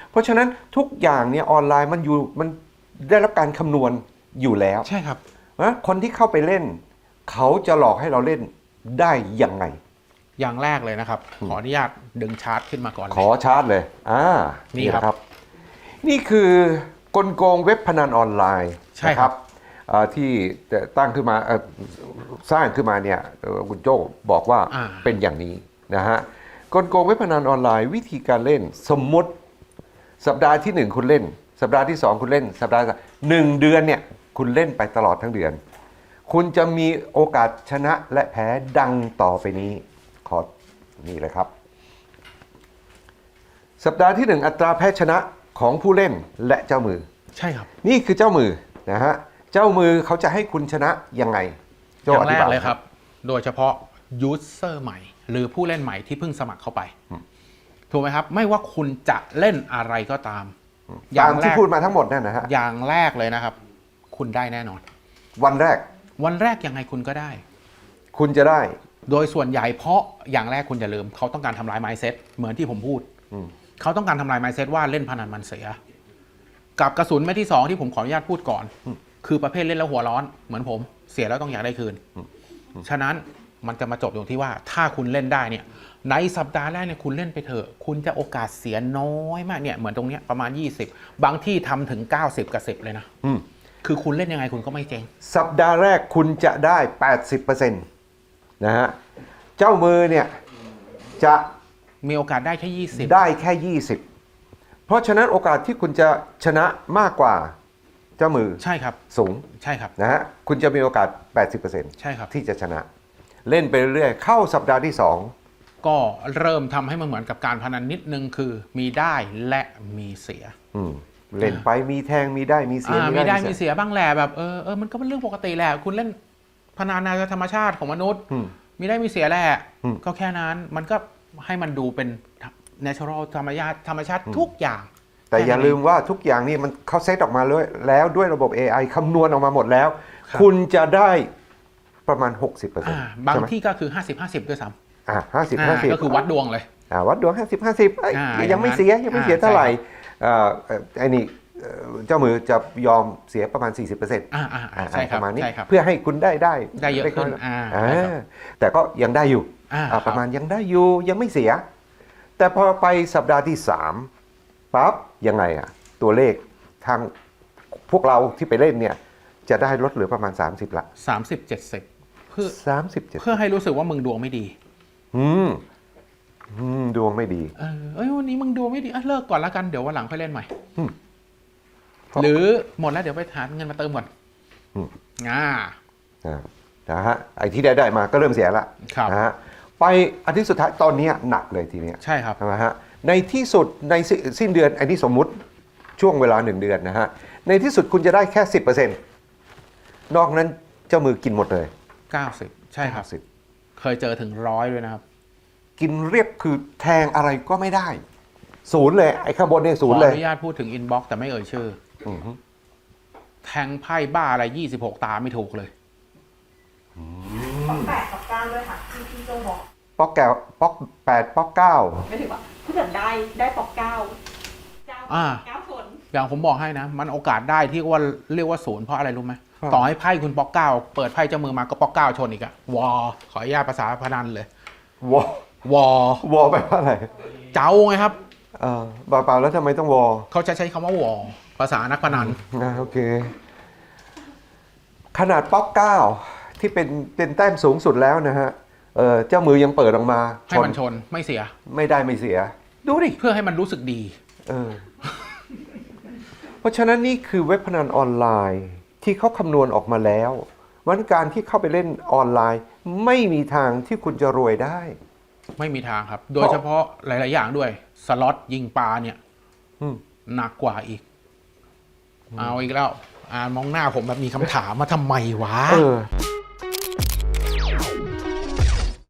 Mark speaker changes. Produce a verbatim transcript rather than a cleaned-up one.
Speaker 1: เพราะฉะนั้นทุกอย่างเนี่ยออนไลน์มันอยู่มันได้รับการคำนวณอยู่แล้ว
Speaker 2: ใช่ครับ
Speaker 1: นะคนที่เข้าไปเล่นเขาจะหลอกให้เราเล่นได้ยังไง
Speaker 2: อย่างแรกเลยนะครับขออนุญาตดึงชาร์ตขึ้นมาก่อน
Speaker 1: ขอชาร์ตเลยอ่า
Speaker 2: นี่ครับ
Speaker 1: นี่คือกลโกงเว็บพนันออนไลน์
Speaker 2: ใช่ครับ
Speaker 1: ที่ตั้งขึ้นมาสร้างขึ้นมาเนี่ยคุณโจ้บอกว่าเป็นอย่างนี้นะฮะกลโกงเว็บพนันออนไลน์วิธีการเล่นสมมติสัปดาห์ที่หนึ่งคุณเล่นสัปดาห์ที่สองคุณเล่นสัปดาห์หนึ่งเดือนเนี่ยคุณเล่นไปตลอดทั้งเดือนคุณจะมีโอกาสชนะและแพ้ดังต่อไปนี้ขอนี่เลยครับสัปดาห์ที่หนึ่งอัตราแพ้ชนะของผู้เล่นและเจ้ามือ
Speaker 2: ใช่ครับ
Speaker 1: นี่คือเจ้ามือนะฮะเจ้ามือเขาจะให้คุณชนะยังไง
Speaker 2: อย่างแรกเลยครับโดยเฉพาะยูเซอร์ใหม่หรือผู้เล่นใหม่ที่เพิ่งสมัครเข้าไปถูกไหมครับไม่ว่าคุณจะเล่นอะไรก็ตาม
Speaker 1: อย่างที่พูดมาทั้งหมดนั่นนะฮะ
Speaker 2: อย่างแรกเลยนะครับคุณได้แน่นอน
Speaker 1: วันแรก
Speaker 2: วันแรกยังไงคุณก็ได้
Speaker 1: คุณจะได้
Speaker 2: โดยส่วนใหญ่เพราะอย่างแรกคุณอย่าลืมเขาต้องการทำลาย mindset เหมือนที่ผมพูดเขาต้องการทำลาย mindset ว่าเล่นพนันมันเสียกับกระสุนเม็ดที่สองที่ผมขออนุญาตพูดก่อนคือประเภทเล่นแล้วหัวร้อนเหมือนผมเสียแล้วต้องอยากได้คืนฉะนั้นมันจะมาจบตรงที่ว่าถ้าคุณเล่นได้เนี่ยในสัปดาห์แรกเนี่ยคุณเล่นไปเถอะคุณจะโอกาสเสียน้อยมากเนี่ยเหมือนตรงเนี้ยประมาณยี่สิบบางที่ทำถึงเก้าสิบกับสิบเลยนะคือคุณเล่นยังไงคุณก็ไม่เจ๊ง
Speaker 1: สัปดาห์แรกคุณจะได้ แปดสิบเปอร์เซ็นต์ นะฮะเจ้ามือเนี่ยจะ
Speaker 2: มีโอกาสได้แค่ยี่สิบ
Speaker 1: ได้แค่ยี่สิบเพราะฉะนั้นโอกาสที่คุณจะชนะมากกว่าเจ้ามือ
Speaker 2: ใช่ครับ
Speaker 1: สูง
Speaker 2: ใช่ครับ
Speaker 1: นะฮะคุณจะมีโอกาส แปดสิบเปอร์เซ็นต์
Speaker 2: ใช่ครับ
Speaker 1: ที่จะชนะเล่นไปเรื่อยๆเข้าสัปดาห์ที่สอง
Speaker 2: ก็เริ่มทำให้มันเหมือนกับการพนันนิดนึงคือมีได้และมีเสีย
Speaker 1: เล่นไปมีแทงมีได้มีเสีย
Speaker 2: มีได้มีเสียบ้างแหละแบบเออเออมันก็เป็นเรื่องปกติแหละคุณเล่นพนันในธรรมชาติของมนุษย์มีได้มีเสียแหละก็แค่นั้นมันก็ให้มันดูเป็น natural ธรรมชาติธรรมชาติทุกอย่าง
Speaker 1: แต่อย่าลืมว่าทุกอย่างนี่มันเขาเซตออกมาเลยแล้วด้วยระบบ เอ ไอ คำนวณออกมาหมดแล้วคุณจะได้ประมาณ หกสิบเปอร์เซ็นต์
Speaker 2: บางที่ก็คือ ห้าสิบ ห้าสิบ ด้วยซ้ำ
Speaker 1: อ่าห้าสิบ ห้าสิบ
Speaker 2: ก็คือวัดดวงเลย
Speaker 1: อ่าวัดดวง ห้าสิบ ห้าสิบยังไม่เสียยังไม่เสียเท่าไหร่อ่าไอ้นี่เจ้ามือจะยอมเสียประมาณ สี่สิบเปอร์เซ็นต์
Speaker 2: อ่าอ่าใช่ครับ
Speaker 1: ประมาณนี้เพื่อให้คุณได้ได้
Speaker 2: ได้เยอะขึ้นอ่า
Speaker 1: แต่ก็ยังได้อยู่ประมาณยังได้อยู่ยังไม่เสียแต่พอไปสัปดาห์ที่สามปั๊บยังไงอะตัวเลขทางพวกเราที่ไปเล่นเนี่ยจะได้ลดเหลือประมาณสามสิบละ
Speaker 2: สามสิบ เจ็ดสิบเพื่อ
Speaker 1: สามสิบ เจ็ดสิบ
Speaker 2: เพื่อให้รู้สึกว่ามึงดวงไม่ดี
Speaker 1: อืมอืมดวงไม่ดี
Speaker 2: เออเอ้ยวันนี้มึงดวงไม่ดีอ่ะเลิกก่อนละกันเดี๋ยววันหลังค่อยเล่นใหม่หรือหมดแล้วเดี๋ยวไปหาเงินมาเติมก่อนอ่า
Speaker 1: นะฮะไอ้ที่ได้ได้มาก็เริ่มเสียละนะฮะไปอาทิตย์สุดท้ายตอนนี้หนักเลยทีเนี้ย
Speaker 2: ใช่ครับ
Speaker 1: นะฮะในที่สุดในสิ้นเดือนไอ้นี่สมมุติช่วงเวลาหนึ่งเดือนนะฮะในที่สุดคุณจะได้แค่ สิบเปอร์เซ็นต์ นอกนั้นเจ้ามือกินหมดเลย
Speaker 2: เก้าสิบใช่ครับเคยเจอถึงร้อยด้วยนะครับ
Speaker 1: กินเรียบคือแทงอะไรก็ไม่ได้ศูนย์เลยไอ้ข้างบนเนี่ยศูนย์เลย
Speaker 2: ขออนุญาตพูดถึงอินบ็อกซ์แต่ไม่เอ่ยชื่อแทงไพ่บ้าอะไรยี่สิบหกตาไม่ถูกเลย
Speaker 3: ป๊อกแปดป๊อกเก้าด้วยค่ะที่พี่โจบอก
Speaker 1: ป๊อกแก้วป๊อกแปดป๊อกเก้า
Speaker 3: ไม่ถึงว่าถ้าเกิดได้ได้ป๊อกเก้าเก้าเก้าส่วน
Speaker 2: อย่างผมบอกให้นะมันโอกาสได้ที่ว่าเรียกว่าศูนย์เพราะอะไรรู้ไหมต่อให้ไพ่คุณป๊อกเก้าเปิดไพ่เจ้ามือมาก็ป๊อกเก้าชนอีกอะวอขออนุญาตภาษาพนันเลยวอวอ
Speaker 1: วอแปลว่าอะไร
Speaker 2: เจ้าไงครับ
Speaker 1: เออเปล่าๆแล้วทำไมต้องวอ
Speaker 2: เขาจะใช้คำว่าวอภาษานักพนัน
Speaker 1: นะโอเคขนาดป๊อกเก้าที่เป็นเป็นแต้มสูงสุดแล้วนะฮะเออเจ้ามือยังเปิดออกมา
Speaker 2: ให้มันชนไม่เสีย
Speaker 1: ไม่ได้ไม่เสียดูดิ
Speaker 2: เพื่อให้มันรู้สึกดี
Speaker 1: เออเพราะฉะนั้นนี่คือเว็บพนันออนไลน์ที่เขาคำนวณออกมาแล้ววันการที่เข้าไปเล่นออนไลน์ไม่มีทางที่คุณจะรวยได้
Speaker 2: ไม่มีทางครับโดยเฉพาะหลายๆอย่างด้วยสล็อตยิงปลาเนี่ยหนักกว่าอีกเอาอีกแล้วอ่ามองหน้าผมแบบมีคำถามมาทำไมวะ